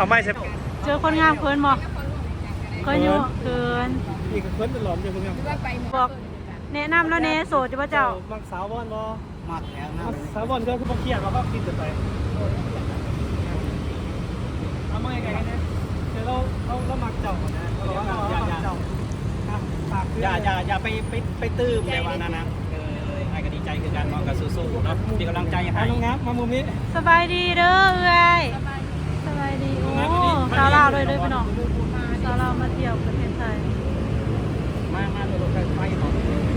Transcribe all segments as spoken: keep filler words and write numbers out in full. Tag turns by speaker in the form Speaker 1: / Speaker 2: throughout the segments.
Speaker 1: เขาไม่ใช่
Speaker 2: เจอคนงามเพิ่นบ่เคยอยู่เกิน
Speaker 1: อีกคนเป็นหลอมอยู่คนเดียว
Speaker 2: บอกแนะนำแล้วแน่โสดจะบ่เจ้า
Speaker 1: มักสาวบอลบ่
Speaker 3: มักแล้วนะ
Speaker 1: สาวบอลก็คือบ่เครียดเราก็กินกันไปเอามาไงกันเนี่ยเดี๋ยวเราเราเรามักเจ้านะเราเรามักเจ้าอย่าอย่าอย่าไปไปไปตื้มในวันนั้นนะเออไอ้ก็ดีใจคือการมองกับสู้ๆเนาะมีกำลังใจให้น้องงับมามุมนี้
Speaker 2: สบายดีเด้อเอ้ยสบายดีโอ้สาวลาวเลยเด้อพี่น้องสาวลาวมาเที่ยวประเทศไทย
Speaker 1: มามาดูรถไฟของ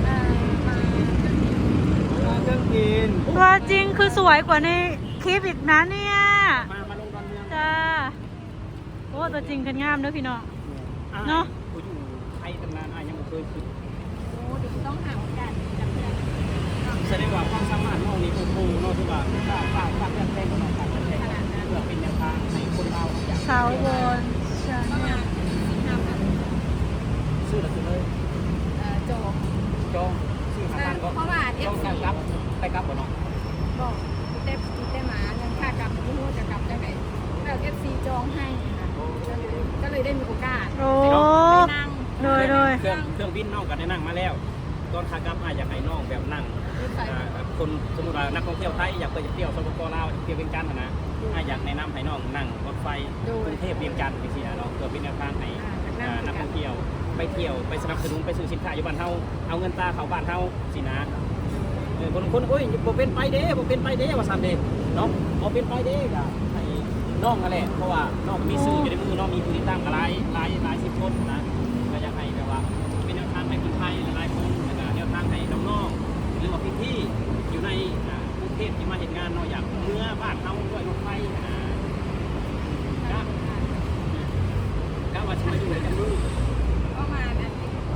Speaker 1: เครื่องบิน
Speaker 2: ตัวจริงคือสวยกว่าในคลิปอีกนะเนี่ย
Speaker 1: มามาลงดอนเมือง
Speaker 2: จ้าโอ้ตัวจริงกันงามเด้อพี่น้องเนาะ
Speaker 1: กูอยู่ไทยตั้งนานยังไม่เคยขึ้น
Speaker 4: โอ้เดี๋ยวต้องหาโอกาสจับเพื่อน
Speaker 1: แสดงว่าความสามารถน้องนี่โอ้โหน้องทุกอย่างฝากฝากฝากเรื่องเพลงก็ต้องฝากเรื่องเพลงเพื่อเป็นแนวทางให้คนเราอยาก
Speaker 2: สาวบนชา
Speaker 4: ประ
Speaker 2: แน
Speaker 4: มา
Speaker 2: ล
Speaker 4: ณสิบห้าพัน
Speaker 1: ซื้อหรือซื้อเลย
Speaker 4: เอ่อโจ
Speaker 1: จองซื้อทางการก็
Speaker 4: เพราะว่าเอ
Speaker 1: จอ
Speaker 4: ฟ
Speaker 1: ง
Speaker 4: ซี
Speaker 1: การกลับไปกลับบ่เนาะ
Speaker 4: บอกเต็มเต็มหมาเงินค่ากลับไม่รู้จะกลับจะไหนแล้วเอฟซีจองให้ค่ะก็เลยได้มีโอกาส
Speaker 2: โอ้
Speaker 4: ไปนั่ง
Speaker 2: โดยโดย
Speaker 1: เครื่องเครื่องบินน้องก็ได้นั่งมาแล้วตอนขากลับอาอยากให้น้องแบบนั่งคนสมมติว่านักท่องเที่ยวไทยอยากไปเที่ยวสปปลาวเที่ยวเวียงจันทร์นะอาอยากแนะนำให้น้องนั่งรถไฟกรุงเทพเวียงจันทร์ไปเที่ยวเนาะเพื่อเป็นแนวทางให้นักท่องเที่ยวไปเที่ยวไปสนับสนุนไปซื้อสินค้าอยู่บ้านเฮาเอาเงินตาเขาบ้านเฮาสินะเออคนคนโอ้ยบ่เป็นไปเด้บ่เป็นไปเด้ว่าซั่นเด้เนาะบ่เป็นไปเด้ก็ให้น้องนั่นแหละเพราะว่าน้องมีซื้ออยู่ในมือน้องมีผู้ติดตามก็หลายหลายหลายสิบคนนะก็อยากให้แบบว่าเป็นแนวทางให้คนไทยหลายคนแล้วก็แนวทางให้น้องๆหรือว่าพี่ๆอยู่ในกรุงเทพที่มาเห็นงานเนาะอยากเมื่อบ้านเฮาด้วยรถไฟนะก็ก็ว่าสิมาอยู่กันดู
Speaker 4: ก็มานั่น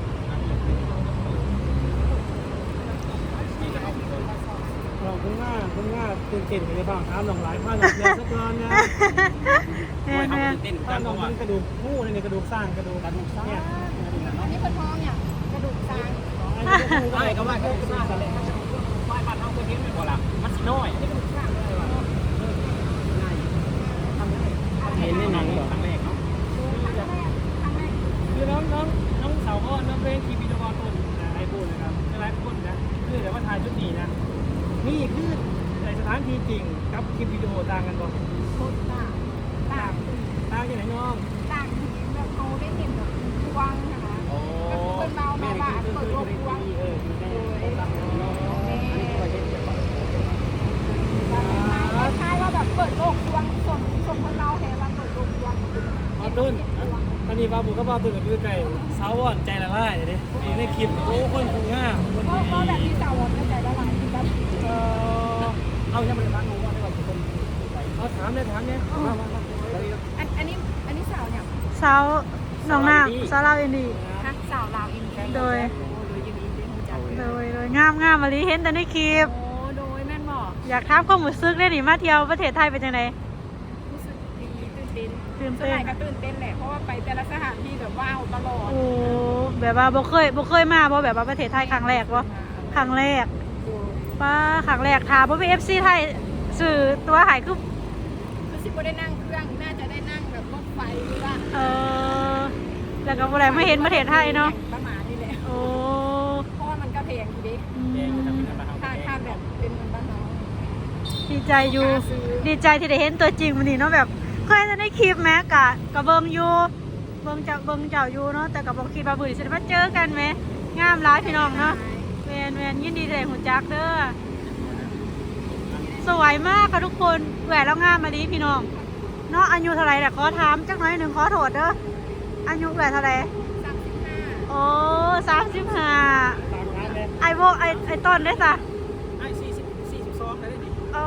Speaker 1: เราคุณง่าคุณง่าตื่นเต้นในบ้างถามหลงหลายผ้าหลงเยอะสักตอนนะ
Speaker 2: แม่แม่
Speaker 1: ตื่นเต้นกันเพราะว่ากระดูกหู้ในกระดูกสร้างกระดูกกระดูกสร้างเนี่ย
Speaker 4: อันนี้เป็นท้องเนี่ยกระดูกซาง
Speaker 1: ไอ้ก็ว่ากระดูกสร้างอะไรบ้านบ้านเฮาเคยเห็นไหมก่อนล่ะมันสิน้อยกระดูกสร้างเห็นในหนังเหรอครั้งแรกเนาะคือน้องน้องน้องสาวก็น้องเพลงคีบีดวอลต้นไอพูดนะครับหลายคนนะคือแต่ว่าถ่ายชุดนี้นะนี่คือในสถานที่จริงกับคลิปวิดีโอต่างกันบ่
Speaker 4: โคตรต่างต่าง
Speaker 1: ต่างที่ไหนน้อง
Speaker 4: ต่างแบบเขาได้เห็นแบบกว้างนะคะก็คือเป็นเบาเบาบาเปิดโลกกว้าง
Speaker 1: เอออยู่ในต่างกันเนาะอันนี้ก็เห็นแบบ
Speaker 4: คล้ายๆว่าแบบเปิดโลกกว้างส่งส่งคนเราแทนว่าเปิดโลกกว้าง
Speaker 1: มาตุ้นตอนนี้บาบูก็บาตุ้นกับพี่ไก่สาวอ่อนใจละลายเลยดิในคลิปโอ้คนคงง่าคน
Speaker 4: ก็ก็แบบที่สาวก็ใจละลายที่แบบ
Speaker 1: เออเอายังไม่ได้ฟังหนูว่าได้ว่าคนเอาถามเลยถามเนี่ยมามามา
Speaker 4: อันอันนี้อันนี้สาวเนี่ย
Speaker 2: สาวน้องนาสาวลาวอินดี
Speaker 4: ฮักสาวลาวอิน
Speaker 2: โดย
Speaker 4: โดยยูนีเป็นหูจัก
Speaker 2: โดยโดยงามงามมาลีเห็นแต่ในคลิป
Speaker 4: โอ้โดยแม่นบอก
Speaker 2: อยากถามความรู้สึกได้หนิมาเที่ยวประเทศไทยเป็นจังได
Speaker 4: รู้สึกดีตื่นเต้น
Speaker 2: ตื่น
Speaker 4: ส
Speaker 2: เต้น
Speaker 4: มัยก็ตื่นเต้นแหละเพราะว่าไปแต่ละสถานที่แบบว้าวตลอด
Speaker 2: โอ้แบบว่าบ่เคยบ่เคยมาบ่แบบว่าประเทศไทยครั้งแรกบ่ครั้งแรกป้าครั้งแรกถามบ่มี เอฟ ซี ไทยสื่อตัวหายคือ
Speaker 4: คือสิบ่ได้นั่งเครื่องน่าจะได้นั่งแบบรถไฟหรือว่า
Speaker 2: เออแล้วก็บ่ได้มาเห็นประเทศไทยเนาะ
Speaker 4: ประมาณนี้แหละ
Speaker 2: โอ้
Speaker 4: เพราะว่ามันก็แพงอยู่ดิ
Speaker 2: อื
Speaker 1: แดง
Speaker 2: ม
Speaker 1: จะเป็นอะไร
Speaker 4: ถ้าถ้าแบบเป็นเงินบ้านเรา
Speaker 2: ดีใจอยู่ดีใจที่ได้เห็นตัวจริงมื้อนี้เนาะแบบเคยได้คลิปแม้กะกะเบิ่งอยู่เบิ่งจากเบิ่งเจ้าอยู่เนาะแต่ก็บ่คิดว่ามื้อนี้สิได้มาเจอกันแหมงามหลายพี่น้องเนาะแม่นแม่นยินดีได้รู้จักเด้อสวยมากค่ะทุกคนแหวนแล้วงามมาลีพี่น้องเนาะอายุเท่าไหร่แต่ขอถามจักหน่อยหนึงขอโทษเด้ออายุแหวนเท่าไหร่
Speaker 4: สามสิบห้า
Speaker 2: โอ้สามสิบห้า
Speaker 1: ตามร้านเลย
Speaker 2: ไอโบไอไอต้นได้สะ
Speaker 1: ไอ้สี่สิบสี่สิบสองได้ดิ
Speaker 2: โอ้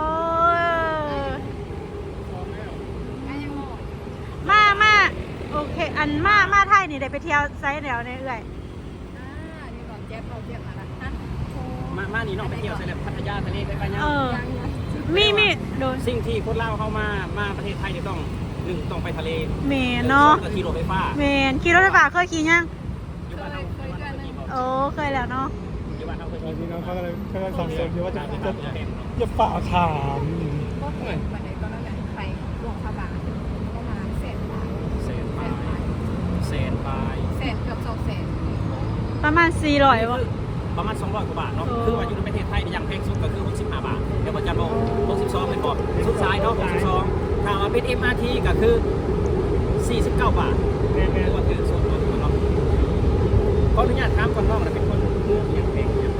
Speaker 1: สองแล้ว
Speaker 4: ก็ยังงง
Speaker 2: มามาโอเค อันมามาไทยนี่ได้ไปเที่ยวไซส์แนวในเอื่อย
Speaker 4: อ่านี่ก่อนแจ๊บเราเทียบมาละฮะโอ้
Speaker 1: มามานี่น้องไปเที่ยวเสร็จแล้วพัทยาทะเลไปไปยัง
Speaker 2: เออ
Speaker 4: ยังยัง
Speaker 2: มีมีโดน
Speaker 1: สิ่งที่คนลาวเข้ามามาประเทศไทยจะต้องหนึ่งต้องไปทะเล
Speaker 2: เมนเนาะ
Speaker 1: ก็ขี่รถไฟฟ้า
Speaker 2: เมนขี่รถไฟฟ้าเคยขี่ยัง
Speaker 1: อยู่บ้านเราอยู่บ้านเราขี่บ่
Speaker 2: โอ้เคยแล้วเนาะ
Speaker 1: อยู่บ้านเราเคยขี่
Speaker 3: พี่น้องเขากำลังกำลังสงสัยอยู่ว่าจะ
Speaker 1: จะ
Speaker 3: จะ
Speaker 1: จะเห็น
Speaker 3: จะฝ่าถาม
Speaker 4: ก็เห็นวันไหนก็นั่นแหละไปหลวงพระบางประมาณเสร็จ
Speaker 2: ประมาณสี่ร้อยบ่
Speaker 1: ประมาณสองร้อยกว่าบาทเนาะ
Speaker 2: โอ้
Speaker 1: คือว่าอยู่ในประเทศไทยเนี่ยอย่างแพงสุดก็คือหกสิบห้าบาทเดี๋ยวมันจะลงหกสิบสองเป็นบอกสุดท้ายเนาะหกสิบสองถ้าว่าเป็น เอ็ม อาร์ ที ก็คือสี่สิบเก้าบาทคือว่าคือส่วนตัวที่มันเนาะขออนุญาตถามคนน้องนะเป็นคนเมืองอย่างแพงอย่าง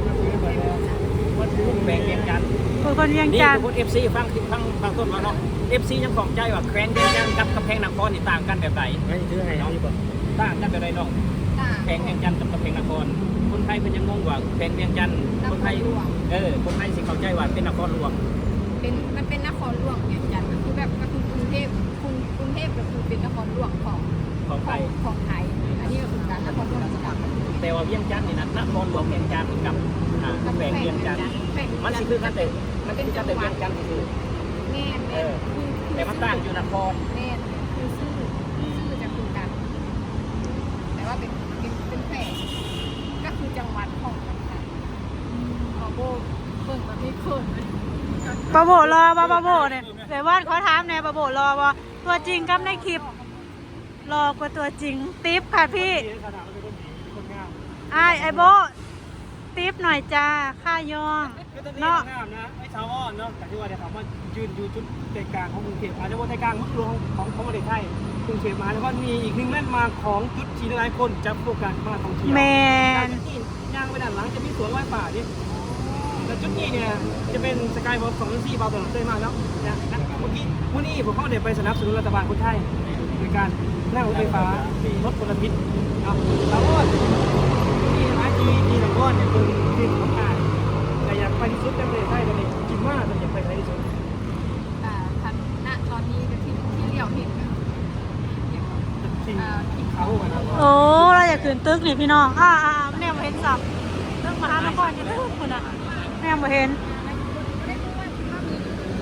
Speaker 1: แพงเวียงจันทน์
Speaker 2: คนคนเวียง
Speaker 1: นี่
Speaker 2: จันท
Speaker 1: คือ
Speaker 2: น์
Speaker 1: คน เอฟ ซี ฟังฟังฟังต้นมาเนาะ เอฟ ซี ยังของใจว่าแคว้นเวียงจันทน์กับกำแพงนครนี่ต่างกันแบบไหน
Speaker 3: ไม่ถือให้เอาดีกว่า
Speaker 1: ต่างกันแบบไหนน้อง
Speaker 4: ต่าง
Speaker 1: แพงเวียงจันทน์กับกำแพงนคร คนไทยเพิ่นยังงงว่าแพงเวียงจันทน์คนไทยเออคนไทยสิเข้าใจว่าเป็นนครหลวง
Speaker 4: เป็นมันเป็นนครหลวงอย่างจันทร์ก็คือแบบก็คือกรุงเทพกรุงกรุงเทพก็คือเป็นนครหลวงของ
Speaker 1: ของ
Speaker 4: ข
Speaker 1: ไท
Speaker 4: อง
Speaker 1: ย
Speaker 4: ของไทย อันนี้ก็คือการนครหลวงราชการ
Speaker 1: แต่ว่าเวียงจันทน์นี่นะนครหลวงเวียงจันทน์กับอ่าแพงเวียงจันทน์มันสิคือกันแต่มันเป็นจันทน์แต่เวียงจันทน์คือ
Speaker 4: แม่นแม่นคือคือ
Speaker 1: แต่มันต่างอยู่นคร
Speaker 4: แม่นคือชื่อชื่อจะคือกัน แต่ว่าเป็นเป็นเป็นแฝงก็คือจังหวัดของกันขอโบเบิ่งแบบนี้เขินเลย
Speaker 2: ปะโบรอบ่ปะโบเนี่ยแต่ว่าขอถามแน่ปะโบรอบ่ตัวจริงกับในคลิปรอกว่าตัวจริงติ๊บค่ะพี่
Speaker 3: ขนาดเราเป็นคนดีคนงาม
Speaker 2: ไอ้ไอโบติ๊บหน่อยจ้าค่ายอง
Speaker 3: ก็ตอนนี้
Speaker 2: เนาะ
Speaker 3: งามนะไอ้ชาวอ้อนเนาะแต่ที่ว่าเดี๋ยวถามว่ายืนอยู่จุดใจกลางของกรุงเทพอาจจะว่าใจกลางเมืองหลวงของของประเทศไทยกรุงเทพมหานครมีอีกหนึ่งแลนด์มาร์คของจุดที่หลายคนจะโฟกัสมาท่องเที่ยว
Speaker 2: แม
Speaker 3: การ
Speaker 2: น
Speaker 3: ที่ย่างไปด้านหลังจะมีสวนไม้ป่าดิแต่จุดนี้เนี่ยจะเป็นสกายวอล์กของที่บาร์ตลาดเต้มาแล้วนะนะเมื่อกี้วันนี้ผมเข้าเดี๋ยวไปสนับสนุนรัฐบาลคนไทยในการนั่งรถไฟฟ้าที่ลดมลพิษเอาแล้วก็ที่ร้านจีจีหลังก้อนเนี่ยคือที่ของงานแต่อยากไปที่สุดในประเทศไทยตอนนี้คิดว่าจะอยากไปไหนที่สุด
Speaker 4: อ่าทันณตอนนี้ก็ที่ที่เรียวเห็นกันอย่าง
Speaker 3: ที่
Speaker 4: อ่าที่
Speaker 3: เขาอะนะ
Speaker 2: โอ้เราอยากขึ้นตึกนี่พี่น้องอ่าอ่าแม่บ่เห็นสับตึกมหานครอยู่ตึกคุณอ่ะแม่บ่เห็น
Speaker 4: ไม่รู้ว่าคิดว่ามี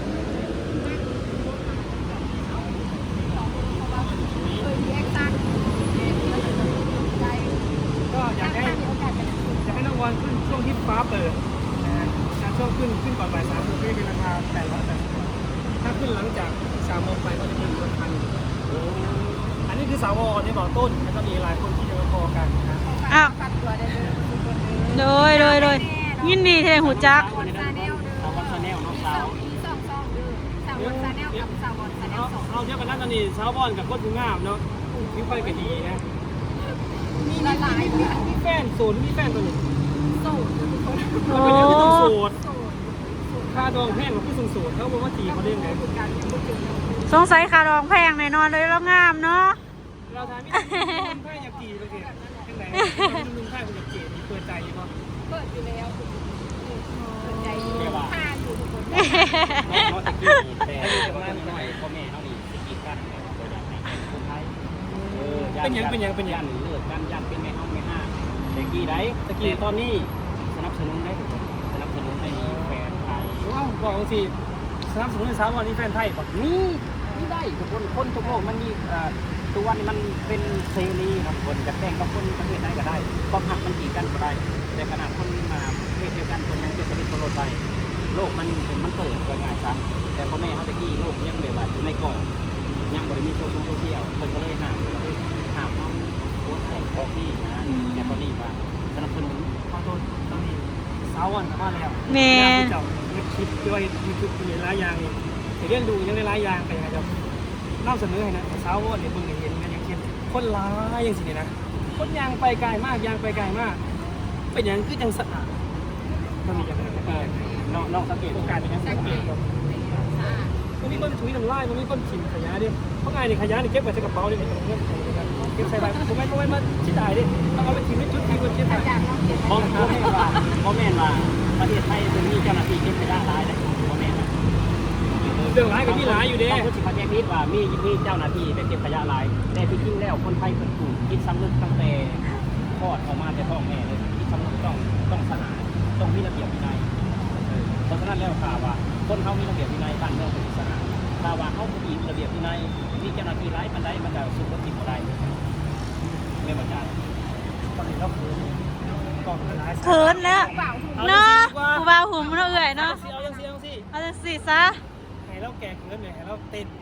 Speaker 4: เคยมีแอคชั่นใจ
Speaker 3: ก็อยาก
Speaker 4: ถ้า
Speaker 3: ให้
Speaker 4: มีโอกาสจะได้ขึ้น
Speaker 3: อยากให้น้องวอนขึ้นช่วงที่ฟ้าเปิดนะฮะช่วงขึ้นขึ้นก่อนบ่ายสามคือเป็นราคาแปดร้อยแปดสิบบาทถ้าขึ้นหลังจากสามโมงไปก็จะเป็นราคาหนึ่งอันนี้คือสาวรเนี่ยบอกต้นแล้วก็มีหลายคนที่จะมาพอกันนะ
Speaker 2: อ้าว
Speaker 4: ฝากตัวได้เลยทุกคนเลย
Speaker 2: โดยโดยโดยยินดีที่ได้หูจัก
Speaker 4: สาวบอลซาแนลเด้อ
Speaker 1: สาวบอลซาแนลน้องสาว
Speaker 4: มีสองสองเด้อสาวบอลซาแนลกับสาวบอลซาแน
Speaker 3: เอา
Speaker 4: ลสอง
Speaker 3: เอาเทียบกันนะตอนนี้สาวบอลกับโคตรงามเนาะมีไฟกันดีนะ
Speaker 4: มีหลายหลาย
Speaker 3: มีมีแฟนโสดมีแฟนตัวนี้
Speaker 4: โสดทุกคน
Speaker 2: โอ้
Speaker 3: มันเป็นเรื่องที่ต้องโสด
Speaker 4: โสด
Speaker 3: ค่าดองแพงกว่าผู้สูงโสดเขาบอกว่าจีเขาได้ยังไง
Speaker 4: การพูดถึง
Speaker 2: สงสัยคารองแพงแน่นอนเลยแล้วงามเนาะ
Speaker 3: เราทำไม่ได้คนไทยอยากจีเลยเกศยังไงลุงไทยคนอยากจีมีเปิดใจอยู่ป่ะ
Speaker 4: เปิดอยู่แล้วเปิดใจผ่านอยู่ทุกคน
Speaker 1: น้องตะกี้แต่คนนี้หน่อยพ่อแม่เขานี่สิกีกันตัวอย่างในคนไทยยันเลิกกันยันเป็นแม่ห้องแม่ห้าตะกี้ได้ตะกี้ตอนนี้สนับสนุนได้สนับสนุนให้แฟนไทย
Speaker 3: ว้าวบอกสิสนับสนุนสาวบอลนี่แฟนไทยป่ะ
Speaker 1: นี่นี่ได้ทุกคนคนทุกโลกมันมีตัววันมันเป็นเสรีครับคนจะแต่งกับคนประเทศไหนก็ได้ความหักมันกี่กันก็ได้แต่ขนาดคนมาประเทศเดียวกันคนยังเป็นสวิตโลดไปโลกมันมันเปิดเกินง่ายซะแต่พ่อแม่เขาตะกี้โลกยังแบบว่าอยู่ในกล่องยังบริมีโซเชียลโซเชียลคนก็เลยห้ามเลยห้ามเขาโพสต์แต่งพอที่นะแต่ตอนนี้ว่าสนับสนุน
Speaker 3: ขอโทษตอนนี้สาวบอลกลับมาแล้ว
Speaker 2: แมน
Speaker 3: เจ้าคลิปด้วยยูทูบมีหลายอย่างนี่แต่เรื่องดูยังได้หลายอย่างไปยังไงจะนำเสนอให้นะสาวบอลเนี่ยเพิ่งเห็นกันอย่างเช่นคนร้ายอย่างสิเนี่ยนะคนยางไปไกลมากยางไปไกลมากเป็นอย่างคือจังสะอาดมันมีอย่างไร
Speaker 1: เออน้องน้องสังเกต
Speaker 3: โอกาสเป็นยังสังเกตมันมีคนถุยน้ำลายมันมีคนถิ่มขยะดิเพราะไงเนี่ยขยะนี่เก็บไว้ใส่กระเป๋าดิไม่ต้องเก็บใส่กันเก็บใส่ใบผมไม่ไม่มาชิดได้ดิต้องเอาไปทิ้งในจุดที่คนเก็บไป
Speaker 4: อยากลองเก็บ
Speaker 1: พ่อพ่อแม่ว่าพ่อแม่ว่าประเทศไทยจะมีเจ้าหน้าที่เก็บขยะหลายนะพ่อแม่นะ
Speaker 3: เรื่องร้ายกับที่ร้ายอยู่เด้
Speaker 1: บางคนสิเขาแจ้งพิษว่ามีมีเจ้าหน้าที่ไปเก็บขยะหลายแต่ที่จริงแล้วคนไทยเป็นกลุ่มคิดสำนึกตั้งแต่คลอดออกมาแต่ท้องแม่เลยคิดสำนึกต้องต้องสะอาดต้องมีระเบียบวินัยเออเพราะฉะนั้นแล้วข่าวว่าคนเขามีระเบียบวินัยบ้านเมืองเป็นสะอาดถ้าว่าเขาไม่มีระเบียบวินัยมีเจ้าหน้าที่ร้ายมันได้มันจะสู้กับผิดอะไรไม่เหมือนกัน
Speaker 3: ตอนนี้เราคือก่อนร้าย
Speaker 2: เขินแล้ว
Speaker 4: เปล่า
Speaker 2: เนาะกูบ่าวหุ่มเนาะเอื่อยเนาะ
Speaker 3: เอาจังสิเอาจังสิ
Speaker 2: เอาจังสิซะ
Speaker 3: ให้เราแก่เกินเลยให้เราเต้น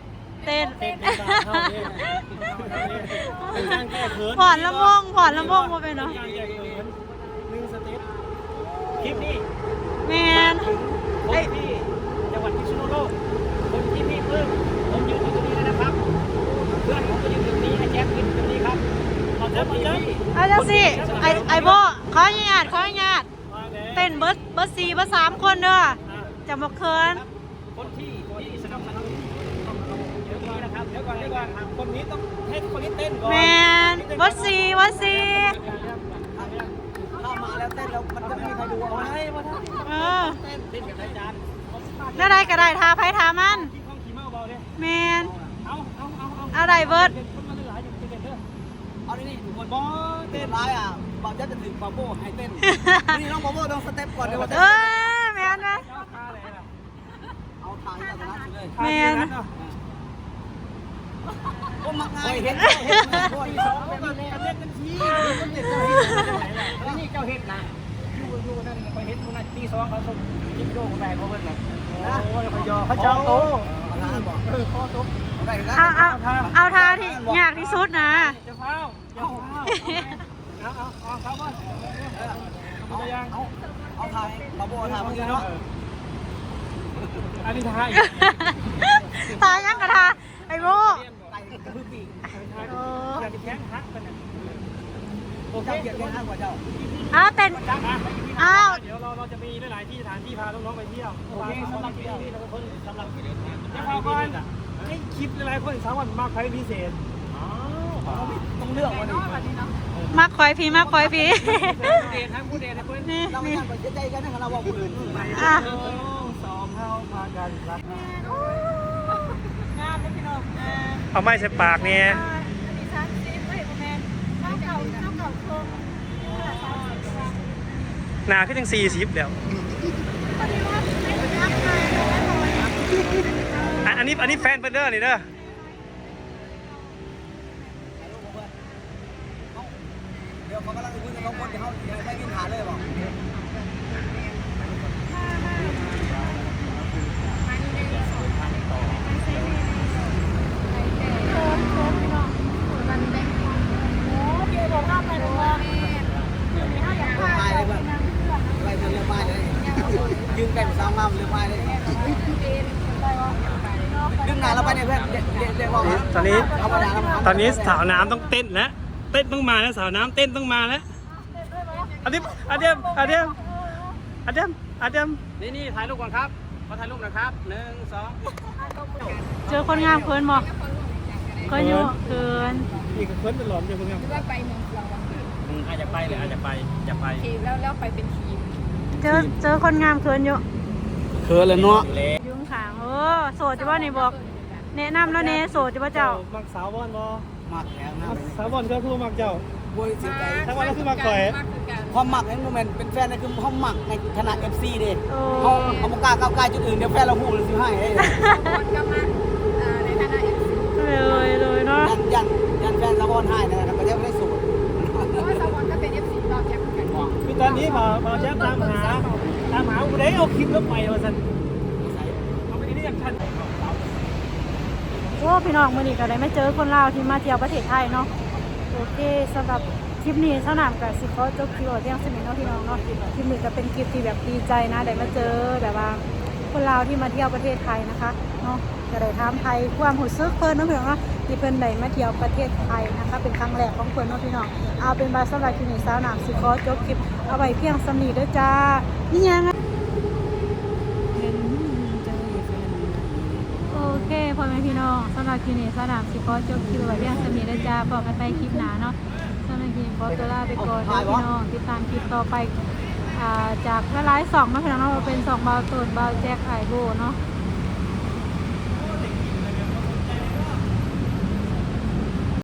Speaker 2: เต้น
Speaker 3: เต้นเป็นการเข้าเนี่ยเป็นการแก้เขิน
Speaker 2: ผ่อนลำวงผ่อนลำวงมาเป็นเนาะ
Speaker 3: การแก้เขินหนึ่งสเต็ปคลิปนี้
Speaker 2: แมน
Speaker 3: คนที่จังหวัดพิษณุโลกคนที่พี่เพิ่มผมยืนอยู่ตรงนี้เลยนะครับเพื่อนผมก็ยืนอยู่ตรงนี้ไอ้แจ๊คยืนอยู่ตรงนี้ครับขอบคุณครับ
Speaker 2: เอาจังสิไอไอโบขออนุญาตขออนุญาตเต้นเบิร์ดเบิร์ดสี่เบิร์ดสามคนเด้อจะบอกเคิน
Speaker 3: คนที่ที่สนับสนุนเดี๋ยวนี้นะครับเดี๋ยวก่อนเดี๋ยวก่อนคนนี้ต้องให้คนนี้เต้นก่อน
Speaker 2: แมนเบิร์ดสี่เบิร์ดสี่
Speaker 3: ถ้ามาแล้วเต้นแล้วมันจะไม่มีใครดูเอาให้มาท่า
Speaker 2: เออ
Speaker 3: เต้นเต้นกับนายจาน
Speaker 2: น่าได้ก็ได้ทาไพ่ทามัน
Speaker 3: ที่ห้องขี่เมาเบาเนี่ย
Speaker 2: แมน
Speaker 3: เอาเอาเอาเอา
Speaker 2: เอาได้เบิร์ด
Speaker 3: คนมาหลายอยู่เต้นเด้อเอาดินี่ทุกคนบอเต้นร้ายอ่ะบอจะจะถึงบาโบ้ให้เต้นนี่น้องบาโบ้ต้องสเต็ปก่อนเดี๋ยว
Speaker 2: เออแมนนะ
Speaker 3: เอาทางจากนั้นเลย
Speaker 2: แมน
Speaker 3: ก็มักง่ายเห็นเห็นคนสองคนเต้นกันทีคนเต้นเจ้าเห็ดแล้วนี่เจ้าเห็ดนะอยู่อยู่นั่นไปเห็ดคนนั้นตีสองเขาส่งจิ๊บโจ้คนแรกเขาเพิ่นนะโอ้ยเขายอเขาเจ้าโตเออข้อตก
Speaker 2: เอาเอาเอาทาที่ยากที่สุดนะ
Speaker 3: จะเฝ้าจะเฝ้าเอาเอาเอาเขาก่อนเอายังเอาเอาทายบาโบ้ทายเมื่อกี้เนาะอันนี้ทาย
Speaker 2: ทายังกระทาไอโบ
Speaker 3: ไก่กระพือปีก
Speaker 2: โอ้
Speaker 3: อยากจะแข้งฮักกันนะโอเคเกียรติแข้งฮักกว่าเจ้า
Speaker 2: อ้าวเต้น
Speaker 3: จ้าอ่ะ
Speaker 2: อ้าว
Speaker 3: เดี๋ยวเราเราจะมีหลายๆที่สถานที่พาน้องๆไปเที่ยวโอเคสำหรับที่นี่เราเป็นคนสำหรับจะพาก่อนให้คลิปหลายๆคนสามวันมากใครพิเศษต้องเลือกวันนี้
Speaker 2: มาคอยพี่มาคอยพี่
Speaker 3: ผู้เดชทั้งผู้เดชนะเพื่อน
Speaker 2: นี่
Speaker 3: เราไม่
Speaker 2: นี่
Speaker 3: ทำไปใจกันนะเราบอกคนอื่น
Speaker 2: อ่ะ
Speaker 3: สองเท่าพากันรัก
Speaker 2: งามเลยพี่น้องอ่า
Speaker 3: เอาไม้ใส่ปากเนี่ย
Speaker 2: อันนี้สามสิบเฮ้ยประมาณข้าวเก่าข้าวเก่าโครงนี่แหละสามสิบกว่า
Speaker 3: หนาขึ้นยังสี่สิบแล้ว
Speaker 2: พอดีว่าไม่ได้ทักทายเลยนะ
Speaker 3: อันนี้อันนี้แฟนเพื่อนเด้อนี่เด้อเดี๋ยวเขากำลังคุยกับน้องคนที่เขาได้ยินหาเลยบอก ไปเรือไม้เลยยืนใกล้กับสาวงามเรือไม้เลยดึงหนาเราไปเนี่ยเพื่อนเรียกว่าตอนนี้ตอนนี้สาวน้ำต้องเต้นแล้วเต้นต้องมาแล้วสาวน้ำเต้นต้องมาแล้วอันนี้อันเดียมอันเดียมอันเดียมอันเดียมนี่นี่ถ่ายรูปก่อนครับขอถ่ายรูปนะครับหนึ่งสอง
Speaker 2: เจอคนงามเคินบอกเคินอยู่เคิน
Speaker 3: อีกคนเป็นหลอมอยู่เพื่อน
Speaker 4: ว่าไปเมืองเราบางที
Speaker 1: อาจจะไปเลยอาจจะไปจะไป
Speaker 4: ทีมแล้วแล้วไปเป็นทีม
Speaker 2: เจอเจอคนงามเคินอยู่
Speaker 3: เคือเลยเนาะ
Speaker 2: ยุ่งขางเออโสดจะว่านี่บอกแนะนำแล้วเน่โสดจะว่าเจ้า
Speaker 3: มักสาวบอลบอ
Speaker 5: มักแล้วนะ
Speaker 3: สาวบอลก็คือมักเจ้า
Speaker 5: บวยเสียใจ
Speaker 3: ถ้าว่าเราคือมาก่อย
Speaker 4: มากคือกัน
Speaker 5: ความมักนั้นโมเมนต์เป็นแฟนนั่นคือเขามักในขนาด เอฟ ซี เด้
Speaker 2: โอ้
Speaker 5: เขาเขาบอกกล้าก้าวไกลจุดอื่นเดี๋ยวแฟนเราพูดเลยสิให้เด้
Speaker 4: คนก็มาในฐานะเอฟซี
Speaker 2: เลยเลยเนาะ
Speaker 5: ยันยันยันแฟนสะบอนให้นะครับประเดี๋ยวไม่ได้สูตร
Speaker 4: เพราะว่าสวรรค์ก็เป็นเอฟซีเราแคปกัน
Speaker 3: คือตอนนี้มามาแชมป์ตามหาตามหาผู้ใดเอาคลิปแล้วไปมาสันเอาไปที่นี่อย่างทัน
Speaker 2: โอ้พี่น้องมื่อนี้ก็ได้มาเจอคนลาวที่มาเที่ยวประเทศไทยเนาะโอเคสำหรับคลิปนี้สนามกับสิเขาจบคลิปเอาเที่ยงสมิงเนาะพี่น้องเนาะคลิปนี้ก็เป็นคลิปที่แบบดีใจนะได้มาเจอแบบว่าคนลาวที่มาเที่ยวประเทศไทยนะคะเนาะจะได้ถามไทยความหูซึกเพิ่นเนาะพี่น้องเนาะที่เพิ่นได้มาเที่ยวประเทศไทยนะคะเป็นครั้งแรกของเพิ่นเนาะพี่น้องเอาเป็นบาสำหรับคลิปนี้สาวนามสิขอจบคลิปเอาไว้เพียงสำนีเด้อจ้านี่ยังไงโอเคพ่อแม่พี่น้องสำหรับคลิปนี้สาวนามสิขอจบคลิปเอาไว้เพียงสำนีเด้อจ้าพบกันใหม่คลิปหน้าเนาะสำหรับคลิปนี้ขอตัวลาไปก่อนเด้อพี่น้องติดตามคลิปต่อไปอ่าจากหลายๆสองเนาะพี่น้องเนาะเป็นสองเบาตูนเบาแจ็คไอโบเนาะ